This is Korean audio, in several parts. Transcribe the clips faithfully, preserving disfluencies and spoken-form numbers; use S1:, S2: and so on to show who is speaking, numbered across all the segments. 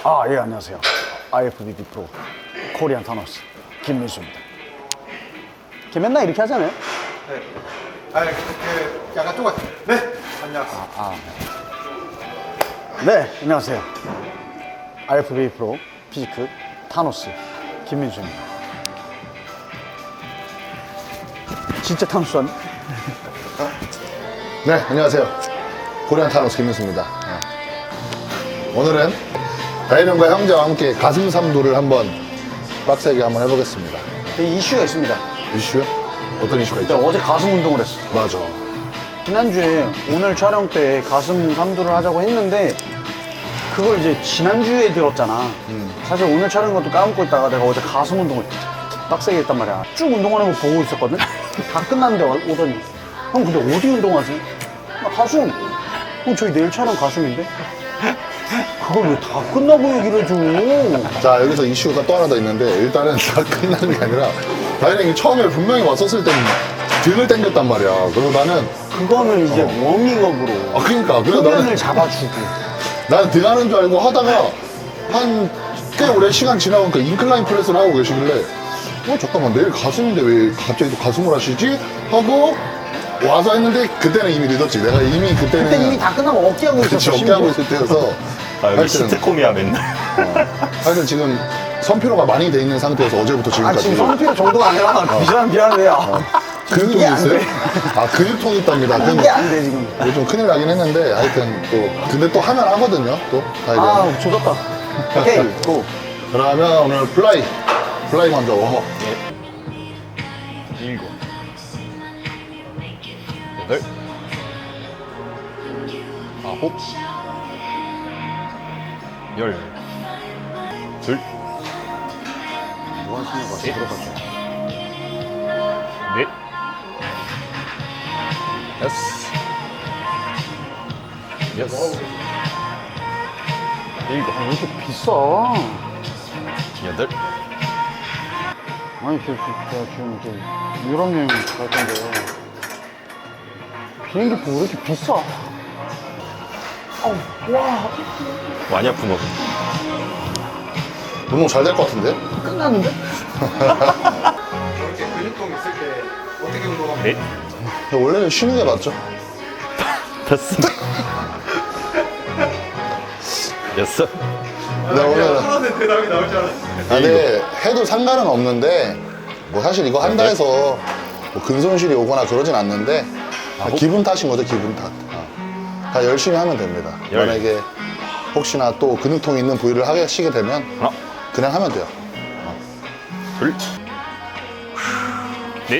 S1: 아, 예, 안녕하세요. 아이에프비비 프로 코리안 타노스 김민수입니다. 걔 맨날 이렇게 하잖아요?
S2: 네. 아, 그, 그, 약간 똑같아. 네. 안녕하세요.
S1: 아, 아. 네, 안녕하세요. 아이에프비비 프로 피지크 타노스 김민수입니다. 진짜 타노스 아니?
S3: 네, 안녕하세요. 코리안 타노스 김민수입니다. 네. 오늘은 다이런과 형제와 함께 가슴 삼두를 한번 빡세게 한번 해보겠습니다.
S1: 이슈가 있습니다.
S3: 이슈요? 어떤 이슈가
S1: 내가
S3: 있죠?
S1: 어제 가슴 운동을 했어.
S3: 맞아.
S1: 지난주에 오늘 촬영 때 가슴 삼두를 하자고 했는데 그걸 이제 지난주에 들었잖아.
S3: 음.
S1: 사실 오늘 촬영 것도 까먹고 있다가 내가 어제 가슴 운동을 빡세게 했단 말이야. 쭉 운동하는 거 보고 있었거든? 다 끝났는데 와- 오더니 형 근데 어디 운동하지? 나 가슴. 형 저희 내일 촬영 가슴인데? 그걸 왜 다 끝나고 얘기를 해줘?
S3: 자, 여기서 이슈가 또 하나 더 있는데, 일단은 다 끝나는 게 아니라, 다이런이 처음에 분명히 왔었을 땐 등을 당겼단 말이야. 그리고 나는,
S1: 그거는 이제 워밍업으로
S3: 아, 그러니까. 그래서
S1: 후면을
S3: 나는,
S1: 잡아주고
S3: 나는 등 하는 줄 알고 하다가, 한 꽤 오래 시간 지나보니까 인클라인 프레스를 하고 계시길래, 어, 잠깐만, 내일 가슴인데 왜 갑자기 또 가슴을 하시지? 하고, 와서 했는데, 그때는 이미 늦었지. 내가 이미 그때는.
S1: 그때 이미 다 끝나고 어깨하고
S3: 그치,
S1: 있었어.
S3: 어깨하고
S1: 심지어.
S3: 있을 때여서.
S4: 아, 여기
S3: 하여튼,
S4: 시트콤이야, 맨날.
S3: 어, 하여튼 지금 선피로가 많이 돼 있는 상태여서 어제부터
S1: 아
S3: 지금까지.
S1: 지금 성피로 정도가 아니라 미안 미안해. 아,
S3: 근육통이
S1: 이게 안
S3: 있어요?
S1: 돼.
S3: 아, 근육통이 있답니다. 근육.
S1: 이게 안 돼 지금.
S3: 이거 좀 큰일 나긴 했는데, 하여튼 또, 근데 또 하면 하거든요, 또. 다이런.
S1: 아 조졌다. 오케이 고.
S3: 그러면 오늘 플라이. 플라이 먼저 워머.
S4: 일곱. 여덟. 아홉. 열. 둘.
S1: 뭐 하시는 거지? 들어가죠.
S4: 넷. 여섯. 여섯. 일곱.
S1: 왜 이렇게 비싸?
S4: 여덟.
S1: 아니 저, 저, 제가 지금 이제 유럽 여행 갈 건데 비행기표 왜 이렇게 비싸? 어우 와
S4: 많이 아픈 거.
S3: 운동 잘 될 것 같은데?
S1: 끝났는데?
S2: 저렇게 근육통 있을 때 어떻게 운동하면
S4: 넷.
S3: 원래는 쉬는 게 맞죠?
S4: 다섯. 여섯.
S3: 근데 오늘,
S2: 하는 대답이 나올 줄 알았어.
S3: 아, 네, 해도 상관은 없는데, 뭐 사실 이거 한다 해서 뭐 근손실이 오거나 그러진 않는데, 아, 기분 탓인 거죠, 기분 탓. 아, 다 열심히 하면 됩니다.
S4: 열.
S3: 만약에 혹시나 또 근육통이 있는 부위를 하시게 되면,
S4: 하나.
S3: 그냥 하면 돼요.
S4: 둘. 넷.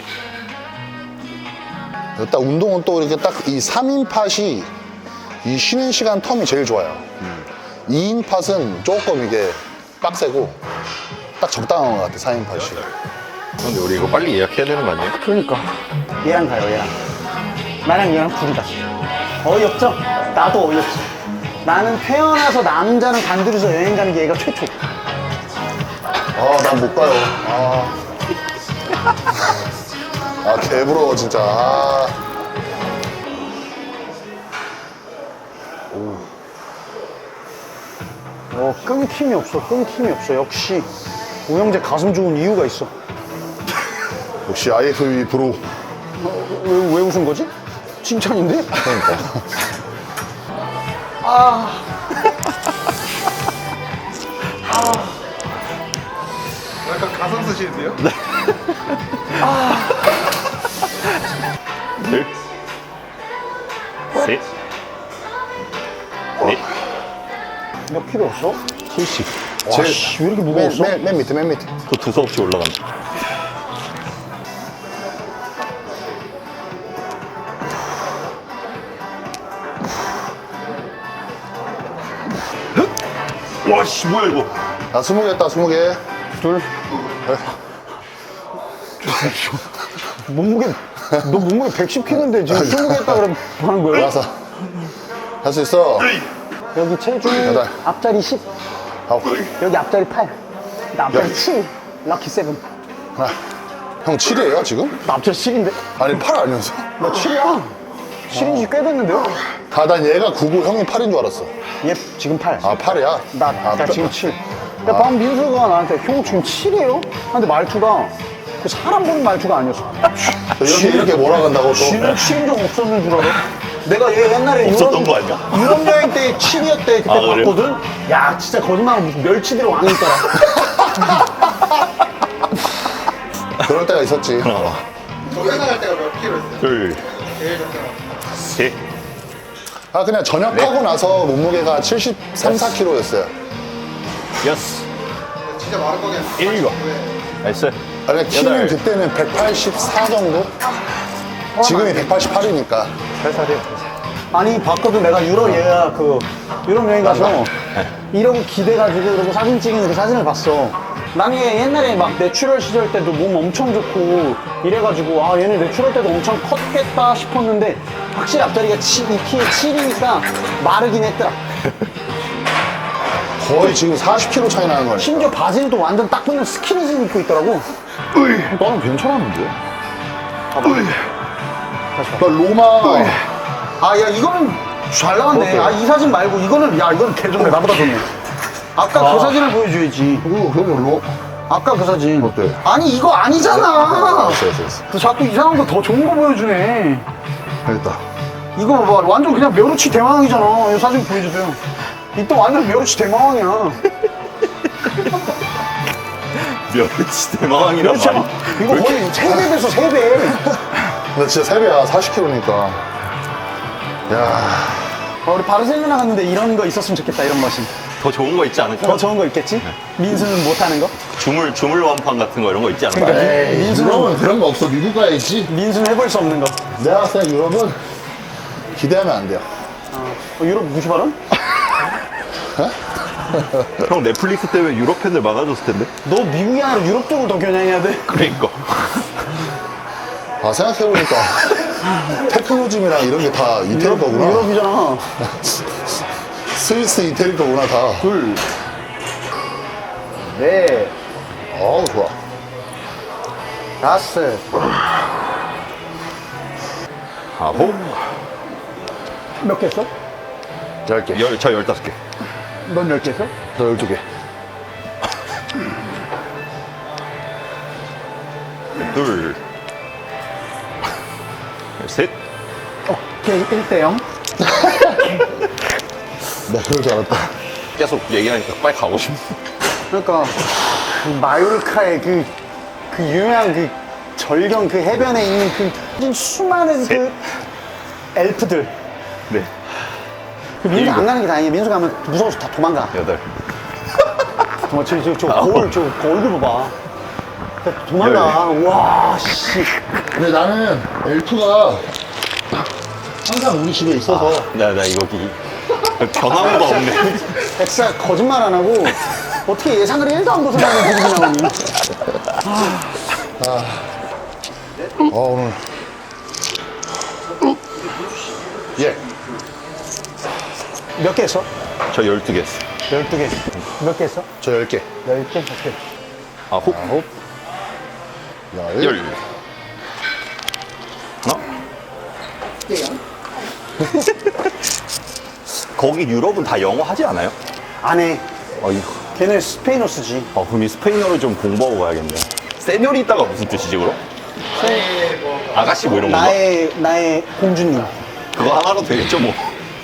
S3: 딱 운동은 또 이렇게 딱 이 삼 인 팟이 이 쉬는 시간 텀이 제일 좋아요. 이 인 팟은 조금 이게 빡세고 딱 적당한 것 같아, 사 인 팟이.
S4: 근데 우리 이거 빨리 예약해야 되는 거 아니에요?
S1: 그러니까 얘랑 가요 얘랑 나랑 얘랑 둘이다 어이없죠? 나도 어이없어 나는 태어나서 남자는 단둘이서 여행 가는 게 얘가 최초
S3: 아, 난 못 가요. 아, 아 개부러워, 진짜. 아.
S1: 어 끊김이 없어 끊김이 없어 역시 오영재 가슴 좋은 이유가 있어
S3: 역시 아이에프비비 프로.
S1: 어, 왜, 왜 웃은 거지? 칭찬인데?
S3: 그러니까.
S2: 약간 가상 쓰시는데요?
S4: 둘. 셋. 넷.
S1: 몇 킬로 없어?
S4: 칠십.
S3: 제일-
S1: 와씨 왜 이렇게
S3: 맨,
S1: 무거웠어?
S3: 맨, 맨 밑에, 맨 밑에.
S4: 또 두서없이 올라간다. 와씨 뭐야 이거?
S3: 나 스무 개 했다, 스무 개.
S1: 둘 몸무게 너 몸무게 백십 킬로인데 지금 스무 개 했다 그러면 뭐 하는 거야?
S3: 알았어. 할 수 있어.
S1: 여기 체중
S3: 여덟.
S1: 앞자리 십
S3: 아홉.
S1: 여기 앞자리 팔 나 앞자리
S3: 열.
S1: 칠 럭키 세븐
S3: 하나. 형 칠이에요, 지금?
S1: 나 앞자리 칠인데?
S3: 아니, 팔 아니면서.
S1: 나 칠이야 칠인지 꽤 됐는데요?
S3: 아, 난 얘가 구고 형이 팔인 줄 알았어.
S1: 얘 지금 팔.
S3: 아, 팔이야?
S1: 나,
S3: 아,
S1: 나 지금 칠. 야, 방금 민수가 나한테 형 지금 칠이에요? 근데 말투가 그 사람 보는 말투가 아니었어.
S3: 이렇게, 이렇게 몰아간다고 또.
S1: 칠은 칠인 적 없었는 줄 알아? 내가 얘 옛날에
S4: 없었던 거 아니야?
S1: 유럽 여행 때 칠이었대 그때
S4: 아, 그래?
S1: 봤거든? 야 진짜 거짓말 멸치들의 왕이 있더라.
S3: 그럴 때가 있었지.
S4: 하나,
S2: 저기 나갈 때가 몇 킬로였어요?
S4: 둘,
S2: 제일 적당한.
S4: 셋.
S3: 아, 그냥 전역하고 나서 몸무게가 칠십삼, 사 킬로였어요.
S4: 여섯.
S2: 진짜 마른 거긴
S4: 일곱. 나이스.
S3: 아니, 키는
S4: 여덟.
S3: 그때는 백팔십사 정도? 지금이 백팔십팔이니까.
S4: 살살해.
S1: 아니 봤거든 내가 유럽 얘가 그 유럽 여행 가서 이러고 기대가지고 이러고 사진 찍는 그 사진을 봤어. 나는 얘 옛날에 막 내추럴 시절 때도 몸 엄청 좋고 이래가지고 아 얘는 내추럴 때도 엄청 컸겠다 싶었는데 확실히 앞다리가 치, 이 키에 칠이니까 마르긴 했더라.
S3: 거의 지금 사십 킬로 차이 나는 거네.
S1: 심지어 바지는 또 완전 딱 붙는 스키니진 입고 있더라고.
S3: 나는 괜찮았는데? 나 로마.
S1: 아 야 이거는 잘 나왔네. 아 이 사진 말고 이거는 야 이거는 개 좋네. 나보다 좋네. 아까 그 사진을 보여줘야지.
S3: 그거, 그거 로.
S1: 아까 그 사진.
S3: 어때?
S1: 아니 이거 아니잖아.
S3: 됐어, 됐어, 됐어.
S1: 너 자꾸 이상한 거 더 좋은 거 보여주네.
S3: 됐다.
S1: 이거 봐봐. 완전 그냥 멸우치 대망이잖아. 이 사진 보여주세요. 이 또 완전 멸우치 대망이야.
S4: 멸치 대마왕이란
S1: 멸우치
S4: 말이.
S1: 이거 거의 세 배 됐어, 세 배.
S3: 나 진짜 세 배야, 사십 킬로니까. 야,
S1: 어, 우리 바르셀로나 갔는데 이런 거 있었으면 좋겠다, 이런 머신.
S4: 더 좋은 거 있지 않을까?
S1: 더 좋은 거 있겠지? 민수는 못하는 거?
S4: 주물, 주물 완판 같은 거 이런 거 있지 않을까?
S1: 그러니까
S3: 에이,
S1: 민수는-
S3: 유럽은 그런 거 없어. 미국 가야지.
S1: 민수는 해볼 수 없는 거.
S3: 내가 봤을 때 유럽은 기대하면 안 돼요.
S1: 어, 유럽 무시 발언?
S4: 형 넷플릭스 때문에 유럽 팬들 막아줬을 텐데?
S1: 너 미국이 아니라 유럽 쪽을 더 겨냥해야 돼.
S4: 그러니까.
S3: 아, 생각해보니까 테크노즘이랑 이런 게 다 이태리 거구나.
S1: 유럽이잖아.
S3: 스위스 이태리 거구나, 다.
S1: 둘. 넷.
S3: 어우, 좋아.
S1: 다섯.
S4: 아홉.
S1: 몇 개 했어?
S3: 열 개.
S4: 열, 저 열다섯 개.
S1: 넌 열 개 했어?
S3: 저 열두 개.
S4: 둘. 셋.
S1: 오케이, 일 대 영.
S3: 나 그럴 줄 알았다.
S4: 계속 얘기하니까 빨리 가고 싶네.
S1: 그러니까 그 마요르카의 그, 그 유명한 그 절경 그 해변에 있는 그 수많은 그 엘프들.
S4: 네.
S1: 그 민수
S4: 일곱.
S1: 안 가는 게 다행이야. 민수 가면 무서워서 다 도망가.
S4: 여덟.
S1: 정말 저, 저, 저
S4: 아홉.
S1: 거울, 저 얼굴 봐봐. 다 도망가. 와, 씨.
S3: 근데 나는 엘프가 항상 우리 집에 있어서
S4: 나, 나 이거 기. 변화무가 없네.
S1: 백사 거짓말 안 하고 어떻게 예상을 일도 안 벗어나는 기분이 나오니?
S3: 어, 오늘 예.
S1: 몇 개 했어?
S4: 저 열두 개 했어.
S1: 열두 개. 몇 개 했어?
S3: 저 열 개.
S1: 열 개? 오케이.
S4: 아홉.
S3: 아홉. 열.
S4: 열. 하나. 거기 유럽은 다 영어 하지 않아요?
S1: 안 해.
S4: 어이구.
S1: 걔네 스페인어 쓰지.
S4: 어, 그럼 이 스페인어를 좀 공부하고 가야겠네. 세뇨리따가 무슨 뜻이지, 그럼? 아가씨 뭐 이런 건가?
S1: 나의, 나의 공주님.
S4: 그거 하나로 되겠죠, 뭐.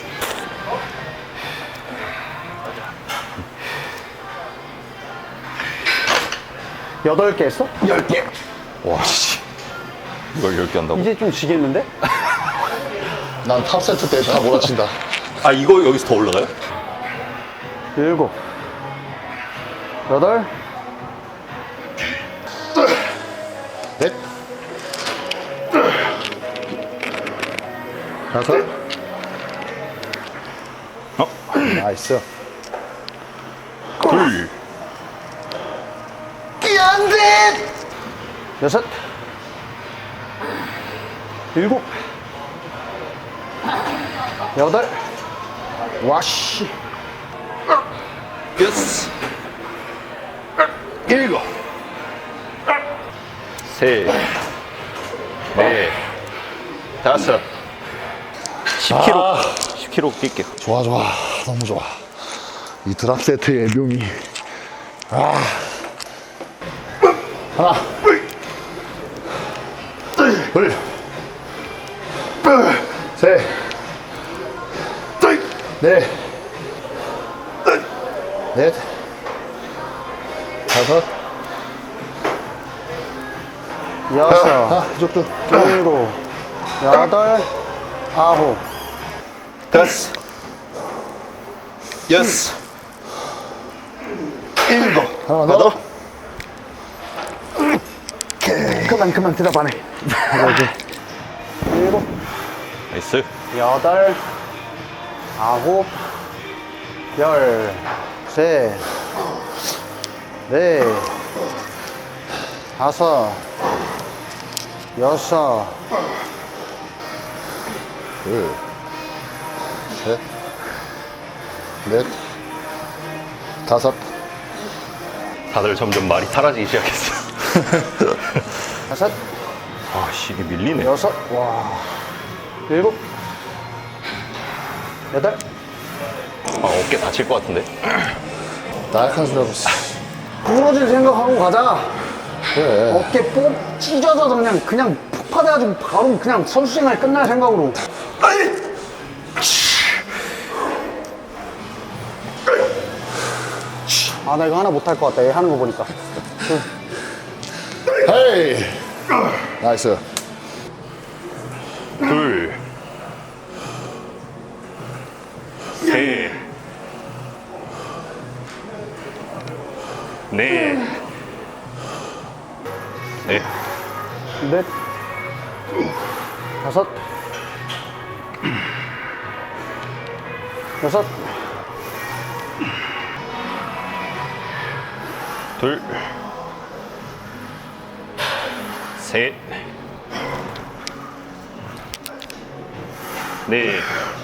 S1: 여덟 개 했어?
S4: 열 개. 와, 씨. 이걸 열 개 한다고?
S1: 이제 좀 지겠는데?
S3: 난 탑 세트 때 다 몰아친다.
S4: 아, 이거 여기서 더 올라가요?
S1: 일곱. 여덟.
S3: 넷. 다섯.
S4: 어?
S3: 나이스.
S4: 둘.
S1: 안 돼! 여섯. 일곱. 여덟. 와씨.
S4: 여섯. 일곱. 셋. 넷. 다섯. 십 킬로그램. 십 십 킬로그램 뛸게요.
S3: 좋아 좋아 너무 좋아. 이 드랍 세트의 묘미. 아. 하나 둘 셋 넷 넷 다섯
S1: 여섯,
S3: 아 이쪽도
S1: 일곱, 여덟, 아홉,
S4: 다섯, 여섯, 일곱.
S3: 하나
S4: 하나
S3: 더.
S4: 더.
S1: 그만 그만 대답하네. 여기 일곱,
S4: 나이스.
S1: 여덟, 아홉, 열, 셋, 넷, 다섯, 여섯,
S3: 둘 셋 넷 다섯
S4: 다들 점점 말이 사라지기 시작했어.
S1: 다섯,
S4: 아씨, 이게 밀리네.
S1: 여섯, 와, 일곱, 여덟.
S4: 아, 어깨 다칠 것 같은데.
S3: 나약한 소리 하고 있어.
S1: 부러질 생각하고 가자.
S3: 그래
S1: 어깨 뽕 찢어져서 그냥 그냥 폭파돼가지고 바로 그냥 선수 생활 끝날 생각으로. 아, 나 이거 하나 못할 것 같다. 얘 하는 거 보니까.
S3: 헤이 나이스.
S4: 둘, 셋, 넷, 넷,
S1: 넷, 다섯, 여섯,
S4: 둘, 셋, 넷,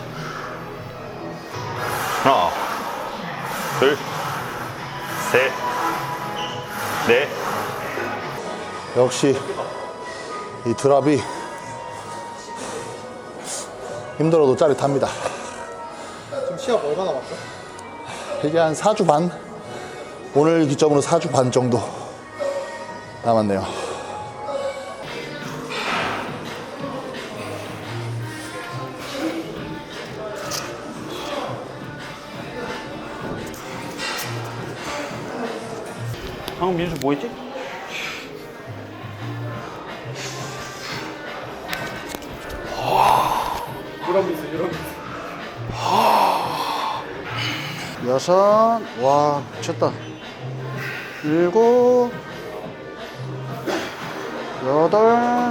S4: 하나, 둘, 셋, 넷.
S3: 역시 이 드랍이 힘들어도 짜릿합니다.
S2: 지금 시합 얼마나 남았어?
S3: 이게 한 사 주 반? 오늘 기점으로 사 주 반 정도 남았네요.
S1: 방금 민수 뭐 했지?
S2: 이런 미스 이런 미스.
S1: 여섯, 와, 미쳤다. 일곱, 여덟,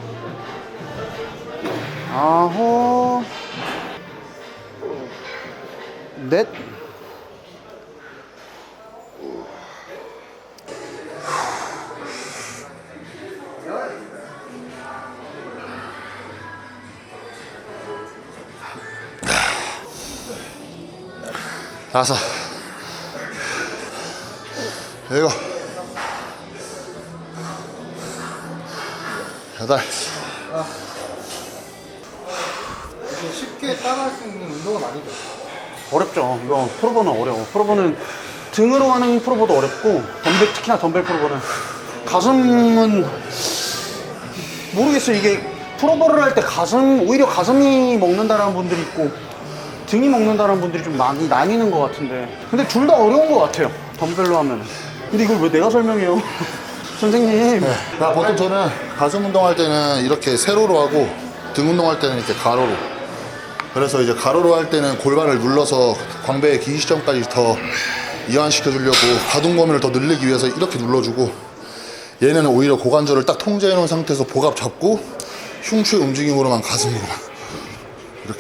S1: 아홉, 넷,
S3: 다섯 일곱 여덟
S2: 이게 쉽게 따라할 수 있는 운동은 아니죠.
S1: 어렵죠. 이거 프로보는 어려워. 프로보는 등으로 하는 프로보도 어렵고, 덤벨, 특히나 덤벨 프로보는. 가슴은 모르겠어요. 이게 프로보를 할 때 가슴, 오히려 가슴이 먹는다라는 분들이 있고, 등이 먹는다는 분들이 좀 많이 나뉘는 것 같은데, 근데 둘 다 어려운 것 같아요, 덤벨로 하면. 근데 이걸 왜 내가 설명해요? 선생님.
S3: 네. 나 보통 저는 가슴 운동할 때는 이렇게 세로로 하고 등 운동할 때는 이렇게 가로로. 그래서 이제 가로로 할 때는 골반을 눌러서 광배의 긴 시점까지 더 이완시켜 주려고 가동 범위를 더 늘리기 위해서 이렇게 눌러주고, 얘는 오히려 고관절을 딱 통제해 놓은 상태에서 복압 잡고 흉추의 움직임으로만 가슴으로만 이렇게.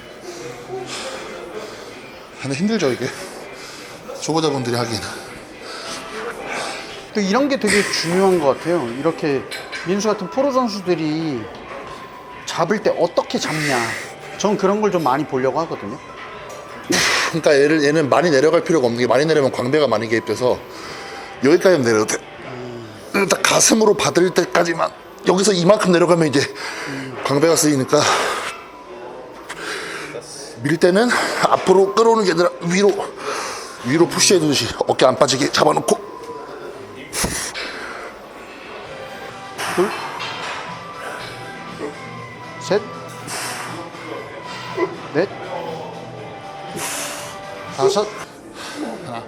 S3: 근데 힘들죠 이게, 초보자분들이 하기에는.
S1: 또 이런 게 되게 중요한 것 같아요. 이렇게 민수 같은 프로 선수들이 잡을 때 어떻게 잡냐, 전 그런 걸 좀 많이 보려고 하거든요.
S3: 그러니까 얘를, 얘는 많이 내려갈 필요가 없는 게, 많이 내려면 광배가 많이 개입돼서 여기까지 내려도 돼. 딱 가슴으로 받을 때까지만, 여기서 이만큼 내려가면 이제 광배가 쓰이니까. 밀 때는 앞으로 끌어오는 게 아니라 위로 위로 푸시해 두듯이 어깨 안 빠지게 잡아놓고
S1: 둘, 셋, 넷, 다섯,
S3: 하나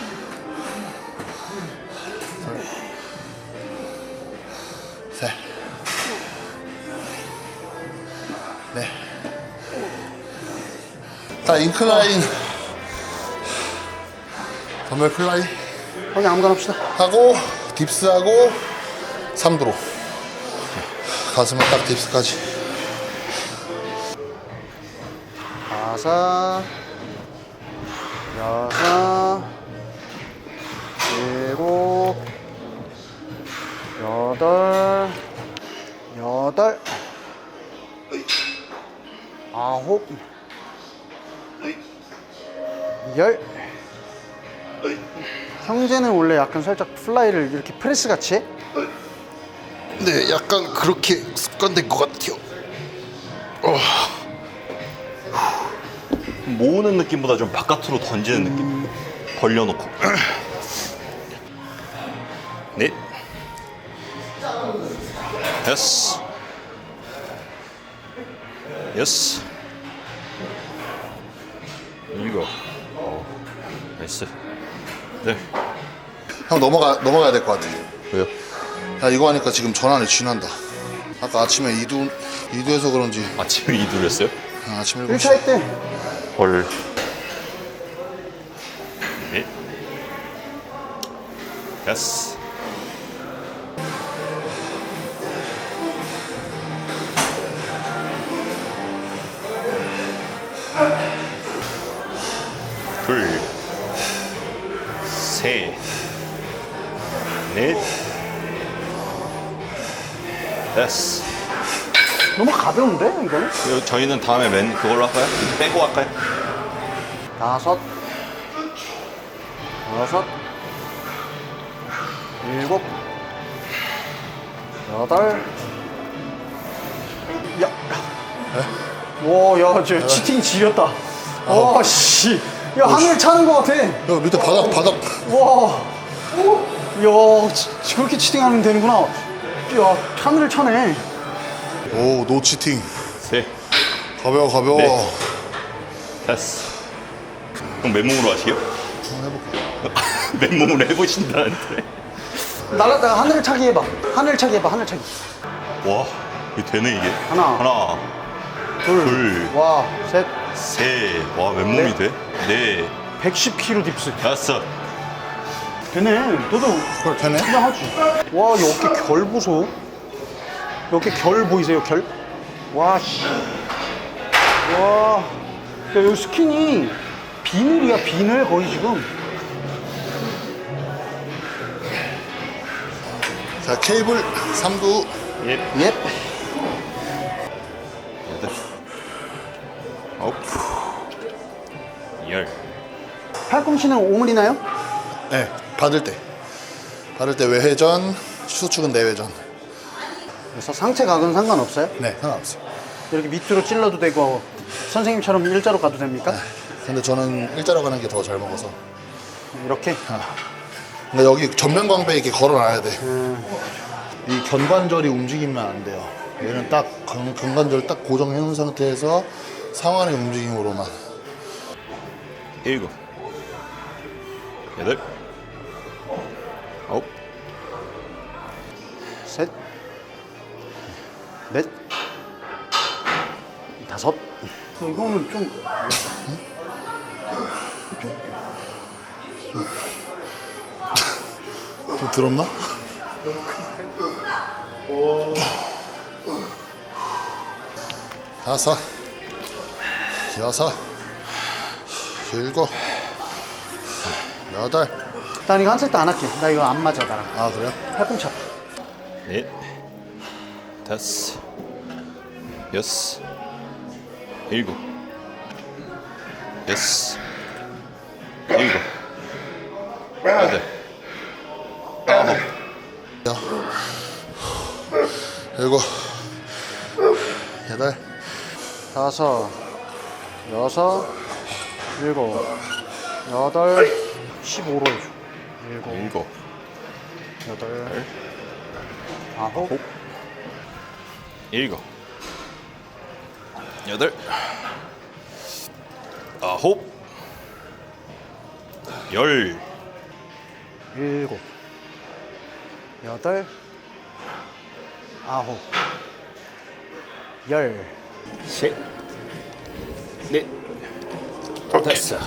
S3: 셋 넷. 자, 인클라인 덤벨 플라이
S1: 형이 아무거나 합시다.
S3: 하고 딥스하고 삼두로 가슴은 딱 딥스까지.
S1: 다섯, 여섯, 일곱, 여덟, 여덟, 아홉, 열. 형제는 원래 약간 살짝 플라이를 이렇게 프레스 같이 해?
S3: 네, 약간 그렇게 습관된 것 같아요.
S4: 모으는 느낌보다 좀 바깥으로 던지는 느낌. 벌려놓고. 넷. 여섯. 여섯. 일곱. 어, 나이스. 네.
S3: 형 넘어가 넘어가야 될 것 같아.
S4: 왜요?
S3: 야, 이거 하니까 지금 전환이 쥐난다. 아까 아침에 이두 이두해서 그런지
S4: 아침에 이두를 했어요?
S3: 아, 아침
S1: 일
S3: 일곱 시.
S1: 차 때
S4: 헐. 넷. 여섯. 둘. 셋. 넷. 다섯.
S1: 너무 가벼운데 이거는?
S4: 이거 저희는 다음에 맨 그걸로 할까요? 빼고 할까요?
S1: 다섯, 여섯, 일곱, 여덟. 야, 와, 야, 저 치팅 지렸다. 와, 씨, 야 하늘 차는 것 같아.
S3: 야, 밑에 바닥 바닥.
S1: 와, 야, 지- 저렇게 치팅하면 되는구나. 야, 하늘을 차네.
S3: 오, 노 치팅.
S4: 셋.
S3: 가벼워 가벼워.
S4: 네. 다섯. 그럼 맨몸으로 하시게요?
S3: 한번 해볼게.
S4: 맨몸으로 해보신다는데.
S1: 날아다 하늘을 차기 해봐. 하늘 차기 해봐. 하늘 차기.
S4: 와, 이게 되네 이게.
S1: 하나.
S4: 하나.
S1: 둘,
S4: 둘.
S1: 와, 셋,
S4: 셋. 와, 맨몸이
S1: 넷.
S4: 돼? 네.
S1: 백십 킬로그램 딥스.
S4: 다섯.
S1: 되네. 너도
S3: 그걸 되네.
S1: 그냥 하지. 와, 이 어깨 결 보소. 이 어깨 결 보이세요? 결? 와, 씨. 와. 야, 여기 스킨이 비늘이야, 비늘 거의 지금.
S3: 자, 케이블 삼두.
S4: 예.
S1: 예.
S4: 여덟. 아홉. 열.
S1: 팔꿈치는 오므리나요?
S3: 네, 받을 때. 받을 때 외회전, 수축은 내외전.
S1: 그래서 상체 각은 상관없어요?
S3: 네, 상관없어요.
S1: 이렇게 밑으로 찔러도 되고 선생님처럼 일자로 가도 됩니까?
S3: 근데 저는 일자로 가는 게 더 잘 먹어서.
S1: 이렇게?
S3: 근데 여기 전면 광배 이렇게 걸어놔야 돼. 이 견관절이 움직이면 안 돼요. 얘는 딱 근- 견관절 딱 고정해 놓은 상태에서 상완의 움직임으로만.
S4: 일곱. 여덟. 아홉.
S1: 셋, 넷, 다섯. 이거는 좀
S3: 좀 들었나? 다섯, 여섯, 일곱, 여덟.
S1: 난 이거 한 세트 안 할게. 나 이거 안 맞아 나랑.
S3: 아, 그래요?
S1: 팔꿈치 아파.
S4: 넷. 다섯. 여섯. 일곱. 여섯. 일곱. 여덟. 아홉.
S3: 일곱, 여덟,
S1: 다섯, 여섯, 일곱, 여덟, 십오로 해줘. 일곱,
S4: 일곱,
S1: 여덟, 아홉,
S4: 일곱, 여덟, 아홉, 열,
S1: 일곱, 여덟, 아홉, 열.
S4: 셋, 넷, 됐어.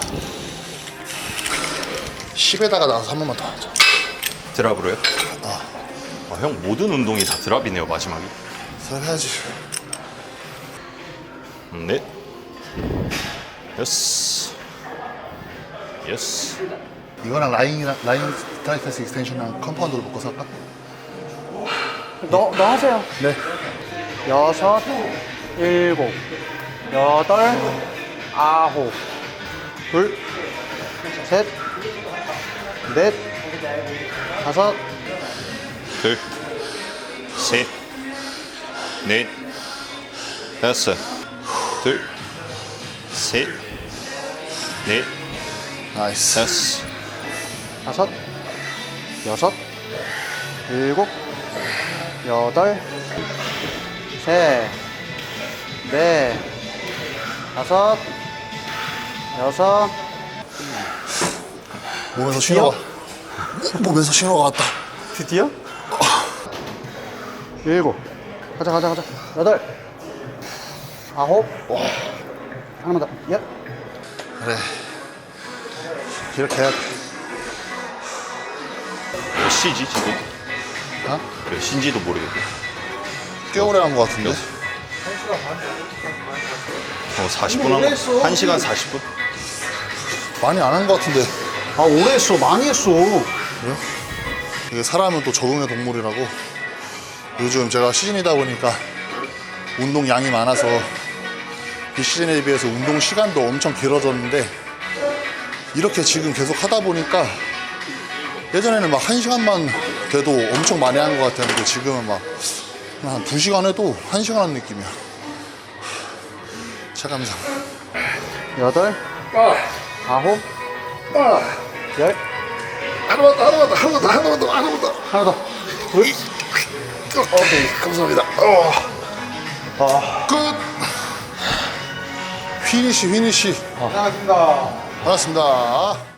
S3: 십에다가 나와서 한 번만 더 하자.
S4: 드랍으로요? 아, 형 모든 운동이 다 드랍이네요 마지막에.
S3: 잘 해야지.
S4: 넷, 여섯, 여섯,
S3: 이거랑 라인이랑 라인 스트라이크스 익스텐션이랑 컴파운드로 묶어서 할까?
S1: 너, 너 하세요.
S3: 네.
S1: 여섯, 일곱, 여덟, 아홉, 둘, 셋, 넷, 다섯,
S4: 둘, 셋, 넷, 다섯, 둘, 셋, 넷,
S3: 나이스.
S4: 다섯,
S1: 다섯, 여섯, 일곱, 여덟, 셋, 넷, 다섯, 여섯,
S3: 몸에서 신호가 몸에서 신호가 왔다.
S1: 드디어? 일곱, 가자 가자 가자. 여덟, 아홉, 하나만 더. 열.
S3: 그래. 이렇게 해야 돼.
S4: 몇 시지 지금?
S3: 어?
S4: 몇 시인지도 모르겠고.
S3: 꽤 오래 한 것 같은데.
S4: 어, 사십 분 한 거. 한 시간 사십 분?
S3: 많이 안 한 것 같은데.
S1: 아 오래 했어, 많이 했어.
S3: 이게 사람은 또 적응의 동물이라고. 요즘 제가 시즌이다 보니까 운동 양이 많아서 비시즌에 비해서 운동 시간도 엄청 길어졌는데 이렇게 지금 계속 하다 보니까 예전에는 막 한 시간만 돼도 엄청 많이 한 것 같았는데 지금은 막 한 두 시간 해도 한 시간 하는 느낌이야. 체감상.
S1: 여덟, 아홉, 열.
S3: 하나만 더, 하나만 더, 하나만 더, 하나만 더, 하나만 더.
S1: 하나 더. 둘.
S3: 오케이, 감사합니다. 어. 끝. 휘니시, 휘니시.
S2: 고생하셨습니다.
S3: 반갑습니다.